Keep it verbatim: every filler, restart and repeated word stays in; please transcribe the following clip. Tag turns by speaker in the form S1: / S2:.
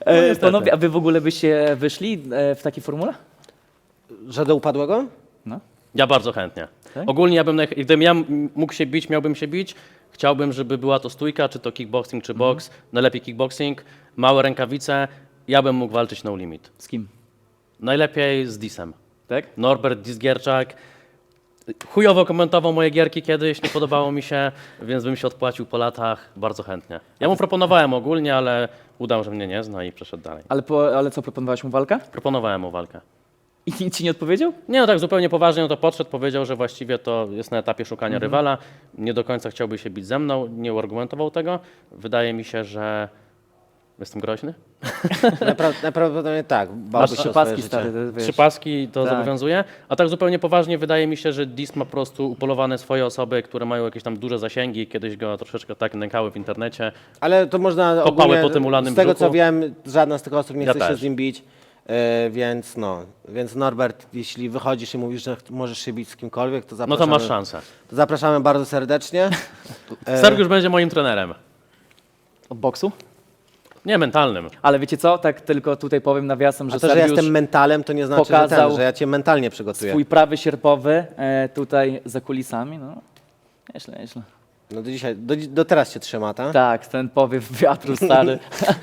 S1: E,
S2: niestety.
S1: panowie, a wy w ogóle byście wyszli e, w takiej formule?
S3: Że do upadłego?
S1: No.
S2: Ja bardzo chętnie.
S1: Tak?
S2: Ogólnie ja bym, naj- gdybym ja m- mógł się bić, miałbym się bić, chciałbym, żeby była to stójka, czy to kickboxing, czy boks, najlepiej kickboxing, małe rękawice, ja bym mógł walczyć no limit.
S1: Z kim?
S2: Najlepiej z Disem.
S1: Tak?
S2: Norbert Disgierczak. Chujowo komentował moje gierki kiedyś, nie podobało mi się, więc bym się odpłacił po latach bardzo chętnie. Ja mu proponowałem ogólnie, ale udał, że mnie nie zna i przeszedł dalej.
S1: Ale, po, ale co, proponowałeś mu walkę?
S2: Proponowałem mu walkę.
S1: I nic ci nie odpowiedział?
S2: Nie, no tak zupełnie poważnie, no to podszedł, powiedział, że właściwie to jest na etapie szukania
S1: Mhm.
S2: rywala, nie do końca chciałby się bić ze mną, nie uargumentował tego. Wydaje mi się, że jestem groźny.
S3: Napra- Najprawdopodobniej tak. Bałby
S1: Masz
S3: się
S1: trzy
S3: o swoje
S1: paski,
S3: życie.
S1: stary. to Wiesz.
S2: Trzy paski to
S1: Tak.
S2: zobowiązuje, a tak zupełnie poważnie wydaje mi się, że Dis ma po prostu upolowane swoje osoby, które mają jakieś tam duże zasięgi, kiedyś go troszeczkę tak nękały w internecie.
S3: Ale to można
S2: Kopały
S3: ogólnie,
S2: po tym ulanym
S3: z tego
S2: brzuchu.
S3: co wiem, żadna z tych osób nie
S2: Ja
S3: chce się
S2: też.
S3: z nim bić, e, więc no, więc Norbert, jeśli wychodzisz i mówisz, że ch- możesz się bić z kimkolwiek, to
S2: No
S3: zapraszamy,
S2: to masz szansę.
S3: to zapraszamy bardzo serdecznie. E,
S2: Sergiusz będzie moim trenerem.
S1: Od boksu?
S2: Nie mentalnym.
S1: Ale wiecie co, tak tylko tutaj powiem nawiasem, że
S3: A to, że ja
S1: Sergiusz
S3: jestem mentalem, to nie znaczy, że,
S1: pokazał
S3: ten, że ja cię mentalnie przygotuję.
S1: swój prawy sierpowy e, tutaj za kulisami, no. Nieźle, nieźle.
S3: No do dzisiaj, do, do teraz cię trzyma, tak?
S1: Tak, ten powiew wiatru stary.